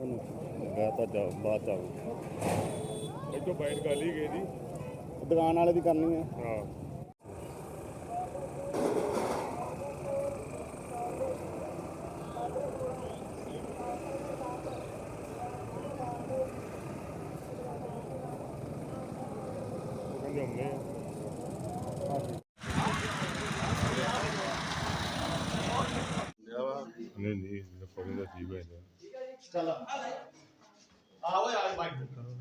मैं तो बात चाहूँ एक तो बाइट गाली गई जी। दुकान वाले की करनी है। हाँ हमने नहीं नहीं फॉरन का जीव है चलो आओ यार बाइक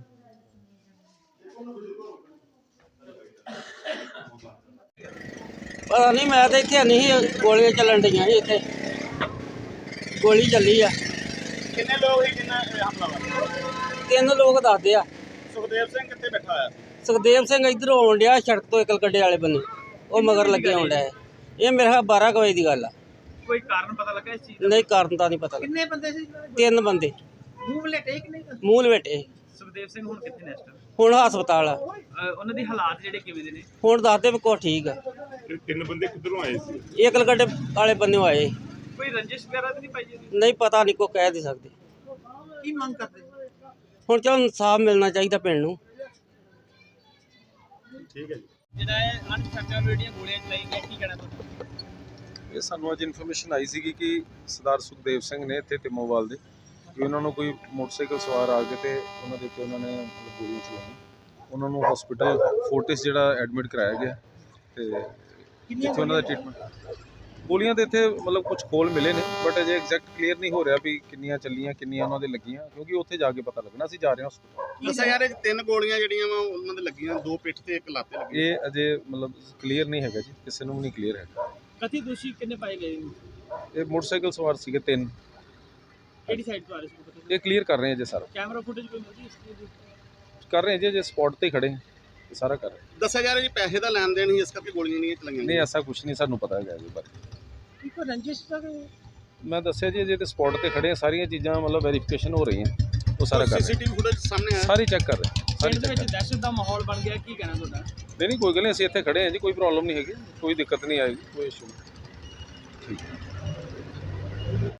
पता नहीं मैं तो इतने नहीं गोलियां चलन डी इतने गोली चली आ कितने लोग ही कितना हमलावर 3 लोग दसदे आ सुखदेव सिंह कितने बैठा है सुखदेव सिंह इधर आउन डिया सड़क तो इकल गड्ढे वाले बन्ने वो मगर लगे आउन डिया ये मेरे ख्याल 12 बजे की गल आ कोई कारण पता लगा इस चीज नहीं कारण तो नहीं पता कितने बंदे सी 3 बंदे ਮੂੰਹ ਲੇਟੇ ਕਿ ਨਹੀਂ ਮੂੰਹ ਲਵੇਟੇ ਸੁਖਦੇਵ ਸਿੰਘ ਹੁਣ ਕਿੱਥੇ ਨੇ ਇਸ ਟਾਈਮ ਹੁਣ ਹਸਪਤਾਲ ਆ ਉਹਨਾਂ ਦੀ ਹਾਲਾਤ ਜਿਹੜੇ ਕਿਵੇਂ ਦੇ ਨੇ ਹੁਣ ਦੱਸਦੇ ਵੀ ਕੋ ਠੀਕ ਆ तीन बंदे किधरों आए थे ਇਹ ਇਕਲ ਗੱਡੇ ਵਾਲੇ ਬੰਨੇ ਆਏ ਕੋਈ ਰੰਜਿਸ਼ ਵਗੈਰਾ ਤਾਂ ਨਹੀਂ ਪਾਈ ਜੀ ਨਹੀਂ ਪਤਾ ਨਹੀਂ ਕੋ ਕਹਿ ਨਹੀਂ ਸਕਦੇ ਕੀ ਮੰਗ ਕਰਦੇ ਹੁਣ ਚਲ ਇਨਸਾਫ ਮਿਲਣਾ ਚਾਹੀਦਾ ਪਿੰਡ ਨੂੰ ठीक है जी ਜਿਹੜਾ ਇਹ ਅਨਸਰਟਨ ਜਿਹੜੀਆਂ ਗੋਲੀਆਂ ਚਲਾਈ ਗਈਆਂ ਕੀ ਕਹਿਣਾ ਤੁਹਾਡਾ ਇਹ ਸਾਨੂੰ ਅੱਜ ਇਨਫੋਰਮੇਸ਼ਨ ਆਈ ਸੀਗੀ ਕਿ ਸਰਦਾਰ ਸੁਖਦੇਵ ਸਿੰਘ ਨੇ ਇੱਥੇ ਟਿਮੋਵਾਲ ਦੇ ਕਿ ਉਹਨਾਂ ਨੂੰ ਕੋਈ ਮੋਟਰਸਾਈਕਲ ਸਵਾਰ ਆ ਕੇ ਤੇ ਉਹਨਾਂ ਦੇ ਉੱਤੇ ਉਹਨਾਂ ਨੇ ਗੋਲੀਆਂ ਚਲਾਈਆਂ ਉਹਨਾਂ ਨੂੰ ਹਸਪੀਟਲ ਫੋਰਟਿਸ ਜਿਹੜਾ ਐਡਮਿਟ ਕਰਾਇਆ ਗਿਆ ਤੇ ਜਿੱਥੇ ਉਹਨਾਂ ਦਾ ਟ੍ਰੀਟਮੈਂਟ ਗੋਲੀਆਂ ਦੇ ਇੱਥੇ ਮਤਲਬ ਕੁਝ ਖੋਲ ਮਿਲੇ ਨੇ ਬਟ ਅਜੇ ਐਗਜ਼ੈਕਟ ਕਲੀਅਰ ਨਹੀਂ ਹੋ ਰਿਹਾ ਵੀ ਕਿੰਨੀਆਂ ਚੱਲੀਆਂ ਕਿੰਨੀਆਂ ਉਹਨਾਂ ਦੇ ਲੱਗੀਆਂ ਕਿਉਂਕਿ ਉੱਥੇ ਜਾ ਕੇ ਪਤਾ ਲੱਗਣਾ ਅਸੀਂ ਜਾ ਰਹੇ ਹਾਂ ਹਸਪੀਟਲ ਦੱਸਿਆ ਯਾਰ ਇਹ 3 ਗੋਲੀਆਂ ਜਿਹੜੀਆਂ ਵਾ ਉਹਨਾਂ ਦੇ ਲੱਗੀਆਂ 2 ਪਿੱਠ ਤੇ 1 ਲੱਤ ਤੇ ਲੱਗੀ ਇਹ ਅਜੇ ਮਤਲਬ ਕਲੀਅਰ ਨਹੀਂ ਹੈਗਾ ਜੀ ਕਿਸੇ ਨੂੰ ਵੀ ਨਹੀਂ ਕਲੀਅਰ ਹੈਗਾ ਕਥਿਤ ਦੋਸ਼ੀ ਕਿੰਨੇ ਪਾਏ ਗਏ ਨੇ ਇਹ ਮੋਟਰਸਾਈਕਲ ਸਵਾਰ ਸੀਗੇ 3 ਕਿਹੜੀ ਸਾਈਡ ਤੋਂ ਆ ਰਹੇ ਸੀ ਪਤਾ ਇਹ ਕਲੀਅਰ ਕਰ ਰਹੇ ਹਾਂ ਜੀ ਸਾਰਾ ਕੈਮਰਾ ਫੁਟੇਜ ਕੋਈ ਮਿਲਦੀ ਇਸ ਚੀਜ਼ ਦੀ ਕਰ ਰਹੇ ਹਾਂ ਜੀ ਸਪੌਟ ਤੇ ਖੜੇ ਹਾਂ ਇਹ ਸਾਰਾ ਕਰ ਰਹੇ ਹਾਂ। ਦੱਸਿਆ ਯਾਰ ਜੀ ਪੈਸੇ ਦਾ ਲੈਣ ਦੇਣ ਹੀ ਇਸ ਕਰਕੇ ਗੋਲੀਆਂ ਨਹੀਂ ਚਲਾਈਆਂ ਨਹੀਂ ਐਸਾ ਕੁਝ ਨਹੀਂ ਸਾਨੂੰ ਪਤਾ ਹੈਗਾ ਜੀ ਬਾਰੇ ਕੋਈ ਰੰਜਿਸ਼ ਦਾ ਮੈਂ ਦੱਸਿਆ ਜੀ ਜੇ ਤੇ ਸਪੌਟ ਤੇ ਖੜੇ ਆ ਸਾਰੀਆਂ ਚੀਜ਼ਾਂ ਮਤਲਬ ਵੈਰੀਫਿਕੇਸ਼ਨ ਹੋ ਰਹੀਆਂ ਉਹ ਸਾਰਾ ਕਰ ਰਹੇ ਸੀਸੀਟੀਵੀ ਫੁਟੇਜ ਸਾਹਮਣੇ ਆਇਆ ਸਾਰੀ ਚੈੱਕ ਕਰ ਰਹੇ ਸਾਰੀ ਪਿੰਡ ਦੇ check ਕਰ ਵਿੱਚ ਦਹਿਸ਼ਤ ਦਾ ਮਾਹੌਲ ਬਣ ਗਿਆ ਕੀ ਕਹਿਣਾ ਤੁਹਾਡਾ ਨਹੀਂ ਕੋਈ ਗੱਲ ਨਹੀਂ ਅਸੀਂ ਇੱਥੇ ਖੜੇ ਹਾਂ ਜੀ ਕੋਈ ਪ੍ਰੋਬਲਮ ਨਹੀਂ ਹੈਗੀ ਕੋਈ ਦਿੱਕਤ ਨਹੀਂ ਆਏਗੀ ਕੋਈ ਇਸ਼ੂ ਨਹੀਂ ਠੀਕ ਹੈ